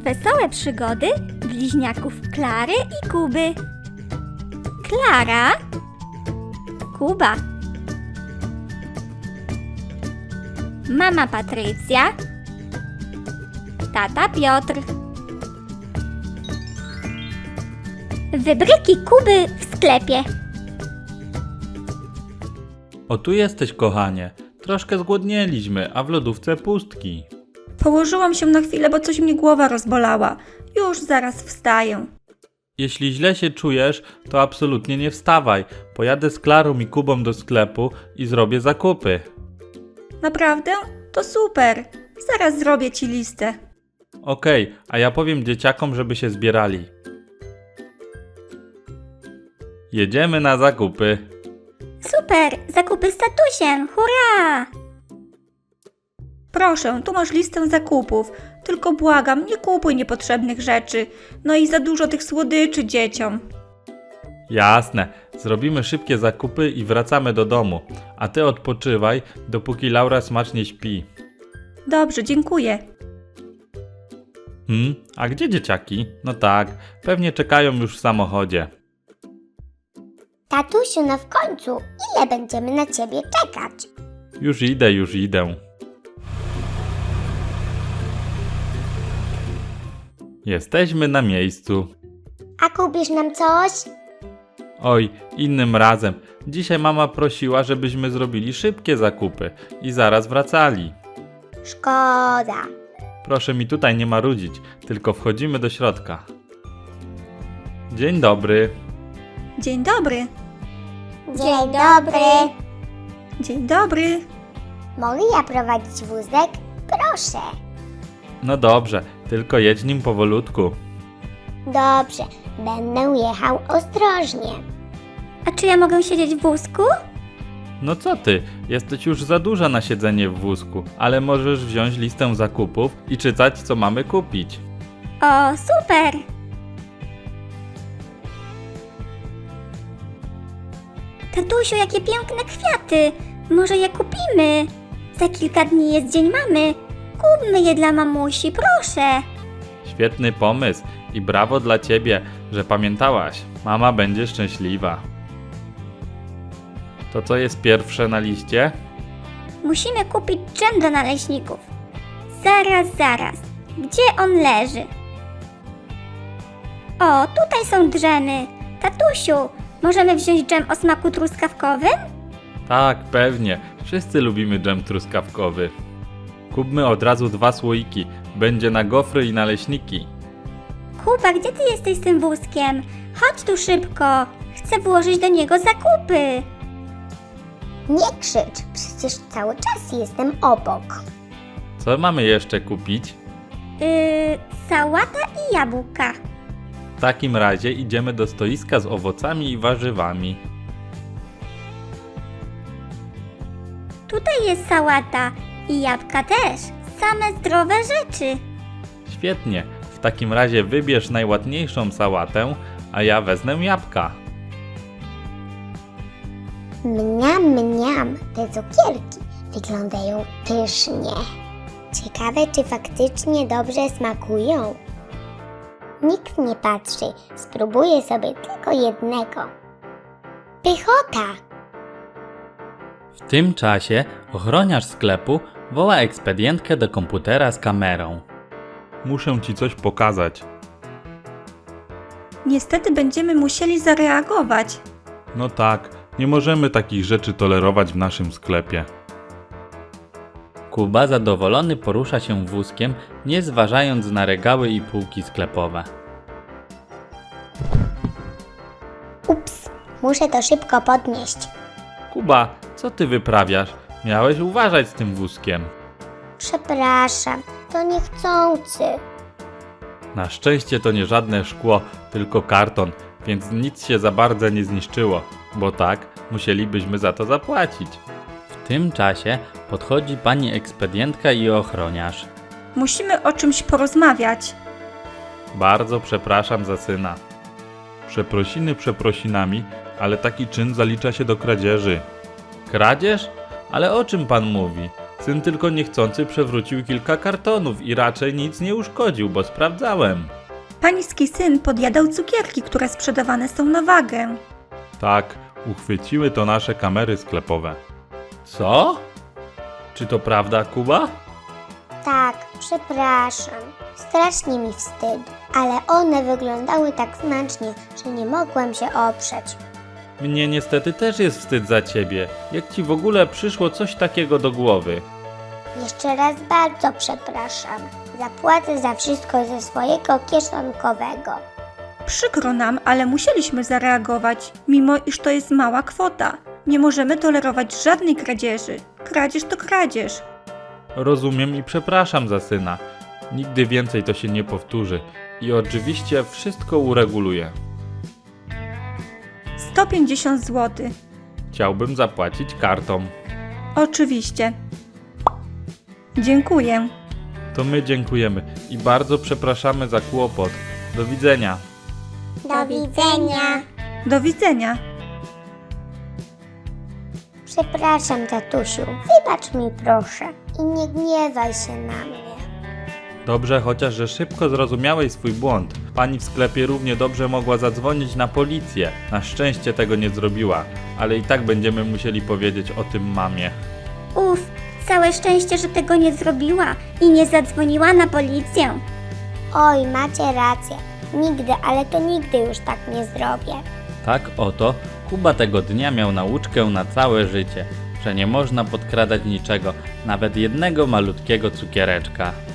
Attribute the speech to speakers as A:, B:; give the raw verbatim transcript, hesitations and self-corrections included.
A: Wesołe przygody bliźniaków Klary i Kuby. Klara, Kuba, mama Patrycja, tata Piotr. Wybryki Kuby w sklepie.
B: O, tu jesteś, kochanie. Troszkę zgłodnieliśmy, a w lodówce pustki.
C: Położyłam się na chwilę, bo coś mnie głowa rozbolała. Już zaraz wstaję.
B: Jeśli źle się czujesz, to absolutnie nie wstawaj. Pojadę z Klarą i Kubą do sklepu i zrobię zakupy.
C: Naprawdę? To super. Zaraz zrobię ci listę.
B: Okej, a ja powiem dzieciakom, żeby się zbierali. Jedziemy na zakupy.
A: Super, zakupy z tatusiem, hurra!
C: Proszę, tu masz listę zakupów. Tylko błagam, nie kupuj niepotrzebnych rzeczy. No i za dużo tych słodyczy dzieciom.
B: Jasne, zrobimy szybkie zakupy i wracamy do domu. A ty odpoczywaj, dopóki Laura smacznie śpi.
C: Dobrze, dziękuję.
B: Hmm, a gdzie dzieciaki? No tak, pewnie czekają już w samochodzie.
D: Tatusiu, no w końcu, ile będziemy na ciebie czekać?
B: Już idę, już idę. Jesteśmy na miejscu.
D: A kupisz nam coś?
B: Oj, innym razem. Dzisiaj mama prosiła, żebyśmy zrobili szybkie zakupy i zaraz wracali.
D: Szkoda.
B: Proszę mi tutaj nie marudzić, tylko wchodzimy do środka. Dzień dobry.
C: Dzień dobry.
D: Dzień dobry.
C: Dzień dobry.
D: Mogę ja prowadzić wózek? Proszę.
B: No dobrze, tylko jedź nim powolutku.
D: Dobrze, będę jechał ostrożnie.
A: A czy ja mogę siedzieć w wózku?
B: No co ty, jesteś już za duża na siedzenie w wózku, ale możesz wziąć listę zakupów i czytać, co mamy kupić.
A: O, super! Tatusiu, jakie piękne kwiaty! Może je kupimy? Za kilka dni jest Dzień Mamy. Kupmy je dla mamusi, proszę!
B: Świetny pomysł i brawo dla ciebie, że pamiętałaś. Mama będzie szczęśliwa. To co jest pierwsze na liście?
A: Musimy kupić dżem dla naleśników. Zaraz, zaraz. Gdzie on leży? O, tutaj są dżemy. Tatusiu, możemy wziąć dżem o smaku truskawkowym?
B: Tak, pewnie. Wszyscy lubimy dżem truskawkowy. Kupmy od razu dwa słoiki. Będzie na gofry i naleśniki.
A: Kuba, gdzie ty jesteś z tym wózkiem? Chodź tu szybko. Chcę włożyć do niego zakupy.
D: Nie krzycz, przecież cały czas jestem obok.
B: Co mamy jeszcze kupić?
A: Yy, sałata i jabłka.
B: W takim razie idziemy do stoiska z owocami i warzywami.
A: Tutaj jest sałata i jabłka też. Same zdrowe rzeczy.
B: Świetnie. W takim razie wybierz najładniejszą sałatę, a ja wezmę jabłka.
D: Mniam, mniam, te cukierki wyglądają pysznie. Ciekawe, czy faktycznie dobrze smakują. Nikt nie patrzy, spróbuję sobie tylko jednego. Pychota!
B: W tym czasie ochroniarz sklepu woła ekspedientkę do komputera z kamerą. Muszę ci coś pokazać.
C: Niestety będziemy musieli zareagować.
B: No tak, nie możemy takich rzeczy tolerować w naszym sklepie. Kuba zadowolony porusza się wózkiem, nie zważając na regały i półki sklepowe.
D: Ups, muszę to szybko podnieść.
B: Kuba, co ty wyprawiasz? Miałeś uważać z tym wózkiem.
D: Przepraszam, to niechcący.
B: Na szczęście to nie żadne szkło, tylko karton, więc nic się za bardzo nie zniszczyło, bo tak musielibyśmy za to zapłacić. W tym czasie podchodzi pani ekspedientka i ochroniarz.
C: Musimy o czymś porozmawiać.
B: Bardzo przepraszam za syna. Przeprosiny przeprosinami, ale taki czyn zalicza się do kradzieży. Kradzież? Ale o czym pan mówi? Syn tylko niechcący przewrócił kilka kartonów i raczej nic nie uszkodził, bo sprawdzałem.
C: Pański syn podjadał cukierki, które sprzedawane są na wagę.
B: Tak, uchwyciły to nasze kamery sklepowe. Co? Czy to prawda, Kuba?
D: Tak, przepraszam. Strasznie mi wstyd, ale one wyglądały tak smacznie, że nie mogłem się oprzeć.
B: Mnie niestety też jest wstyd za ciebie. Jak ci w ogóle przyszło coś takiego do głowy?
D: Jeszcze raz bardzo przepraszam. Zapłacę za wszystko ze swojego kieszonkowego.
C: Przykro nam, ale musieliśmy zareagować, mimo iż to jest mała kwota. Nie możemy tolerować żadnej kradzieży. Kradzież to kradzież.
B: Rozumiem i przepraszam za syna. Nigdy więcej to się nie powtórzy. I oczywiście wszystko ureguluję.
C: sto pięćdziesiąt złotych.
B: Chciałbym zapłacić kartą.
C: Oczywiście. Dziękuję.
B: To my dziękujemy i bardzo przepraszamy za kłopot. Do widzenia.
D: Do widzenia.
C: Do widzenia.
D: Przepraszam, tatusiu. Wybacz mi proszę i nie gniewaj się na mnie.
B: Dobrze, chociaż że szybko zrozumiałeś swój błąd. Pani w sklepie równie dobrze mogła zadzwonić na policję. Na szczęście tego nie zrobiła, ale i tak będziemy musieli powiedzieć o tym mamie.
A: Uf, całe szczęście, że tego nie zrobiła i nie zadzwoniła na policję.
D: Oj, macie rację. Nigdy, ale to nigdy już tak nie zrobię.
B: Tak oto Kuba tego dnia miał nauczkę na całe życie, że nie można podkradać niczego, nawet jednego malutkiego cukiereczka.